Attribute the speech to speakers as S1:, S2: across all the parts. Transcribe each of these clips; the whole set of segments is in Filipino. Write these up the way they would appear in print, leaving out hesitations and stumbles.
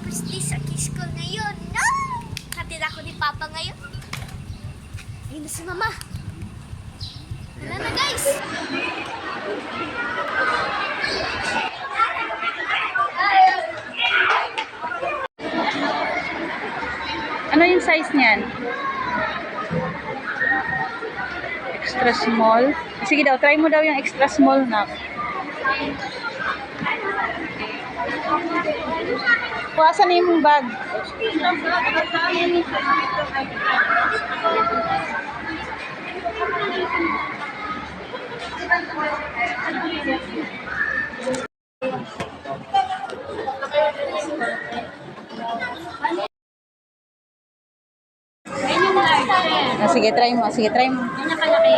S1: first day sa school ngayon. No! Hatid ako ni Papa ngayon. Ayun na si Mama. Tara na guys!
S2: Ano yung size niyan? Extra small? Sige daw, try mo daw yung extra small na. Kuwasan na yung bag. Sige, try mo. Sige, try mo.
S1: Yan nakalaki.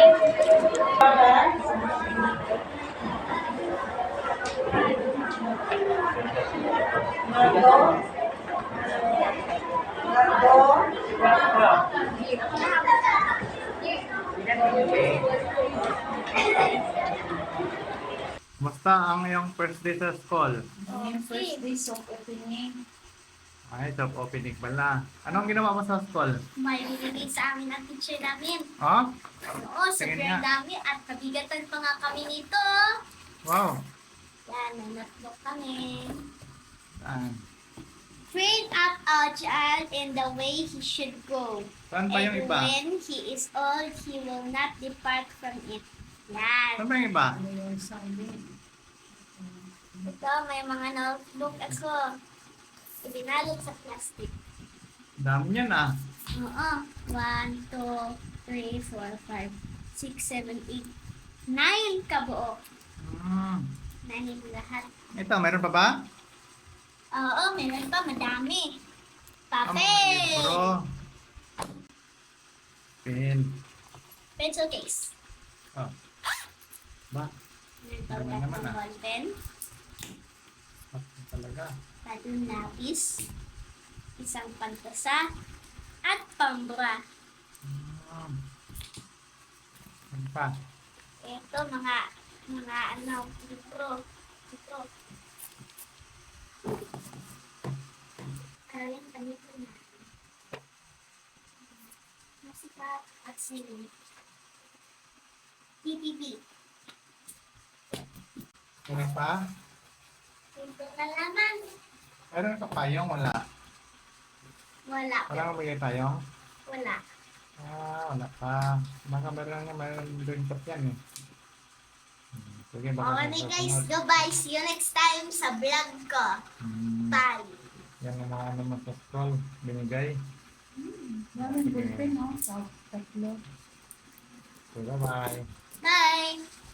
S3: Musta ang iyong first day sa school?
S2: Yung first day soft opening.
S3: Ay, job opening pala. Anong ginawa mo sa school?
S1: May binigay sa amin ang teacher namin.
S3: Oh?
S1: Oo,
S3: Tingin
S1: super
S3: nga.
S1: dami at kabigatan pa nga kami nito.
S3: Wow.
S1: Yan, may notebook kami.
S3: Saan?
S1: Train up a child in the way he should go.
S3: Saan pa yung
S1: And
S3: iba?
S1: when he is old, he will not depart from it. Yan.
S3: Saan pa yung iba?
S1: Ito, may mga notebook ako. Ibinalot sa plastic.
S3: Dami yan ah.
S1: Oo. 1, 2, 3, 4, 5, 6, 7, 8, 9 kabuo.
S3: Hmm.
S1: 9 lahat.
S3: Ito, meron pa ba?
S1: Oo, meron pa. Madami.
S3: Ang mga
S1: Papel.
S3: libro. Pen.
S1: Pencil case.
S3: Oh. Ba?
S1: Meron pa
S3: Naman
S1: ulit
S3: naman,
S1: ng
S3: ah.
S1: ball pen.
S3: Talaga.
S1: Bagong lapis. Isang pantasa. At pambura.
S3: Hmm. Ano pa?
S1: Ito, mga ano, libro. Ito. Kaya ganito na. Masika at sili. PPP.
S3: Ano pa?
S1: Ito na laman.
S3: Meron ka payong? Wala.
S1: Wala.
S3: Wala kang bigay tayong?
S1: Wala.
S3: Wala pa. Baka meron doon pa yan eh. Sige, baka
S1: Okay
S3: sa
S1: guys,
S3: susunod.
S1: goodbye. See you next time sa vlog ko.
S3: Hmm.
S1: Bye.
S3: Yan ang mga ano mo sa school. Binigay.
S2: Daming ballpen, no? Tatlo.
S3: So, bye-bye.
S1: Bye.